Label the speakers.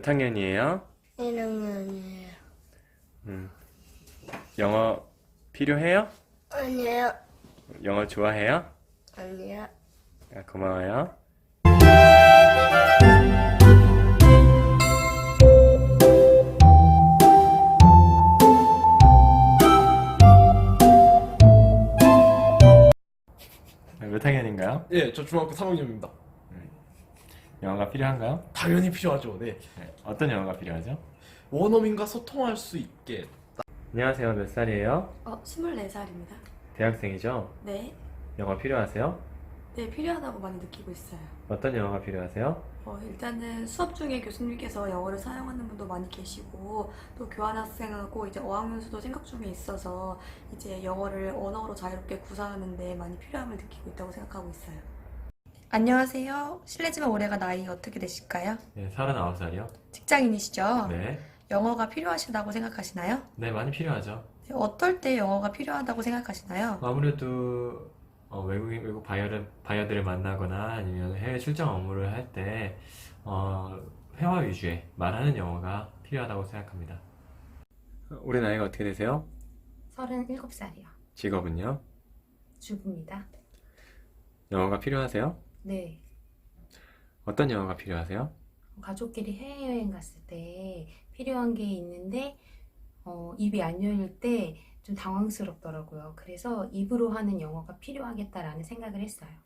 Speaker 1: 몇 학년이에요?
Speaker 2: 1학년이에요.
Speaker 1: 영어 필요해요?
Speaker 2: 아니요.
Speaker 1: 영어 좋아해요?
Speaker 2: 아니요.
Speaker 1: 아, 고마워요. 몇 학년인가요?
Speaker 3: 예, 저 중학교 3학년입니다.
Speaker 1: 영어가 필요한가요?
Speaker 3: 당연히 필요하죠. 네.
Speaker 1: 네. 어떤 영어가 필요하죠?
Speaker 3: 원어민과 소통할 수 있게.
Speaker 1: 안녕하세요. 몇 살이에요?
Speaker 4: 24살입니다.
Speaker 1: 대학생이죠?
Speaker 4: 네.
Speaker 1: 영어 필요하세요?
Speaker 4: 네, 필요하다고 많이 느끼고 있어요.
Speaker 1: 어떤 영어가 필요하세요?
Speaker 4: 일단은 수업 중에 교수님께서 영어를 사용하는 분도 많이 계시고, 또 교환학생하고 이제 어학연수도 생각 중에 있어서 이제 영어를 언어로 자유롭게 구사하는데 많이 필요함을 느끼고 있다고 생각하고 있어요.
Speaker 5: 안녕하세요. 실례지만 올해가 나이 어떻게 되실까요?
Speaker 1: 네, 39살이요.
Speaker 5: 직장인이시죠?
Speaker 1: 네.
Speaker 5: 영어가 필요하시다고 생각하시나요?
Speaker 1: 네, 많이 필요하죠.
Speaker 5: 네, 어떨 때 영어가 필요하다고 생각하시나요?
Speaker 1: 아무래도 외국 바이어들을 만나거나 아니면 해외 출장 업무를 할 때 회화 위주의 말하는 영어가 필요하다고 생각합니다. 올해 나이가 어떻게 되세요?
Speaker 6: 37살이요.
Speaker 1: 직업은요?
Speaker 6: 주부입니다.
Speaker 1: 영어가 필요하세요?
Speaker 6: 네.
Speaker 1: 어떤 영어가 필요하세요?
Speaker 6: 가족끼리 해외여행 갔을 때 필요한 게 있는데 입이 안 열릴 때 좀 당황스럽더라고요. 그래서 입으로 하는 영어가 필요하겠다라는 생각을 했어요.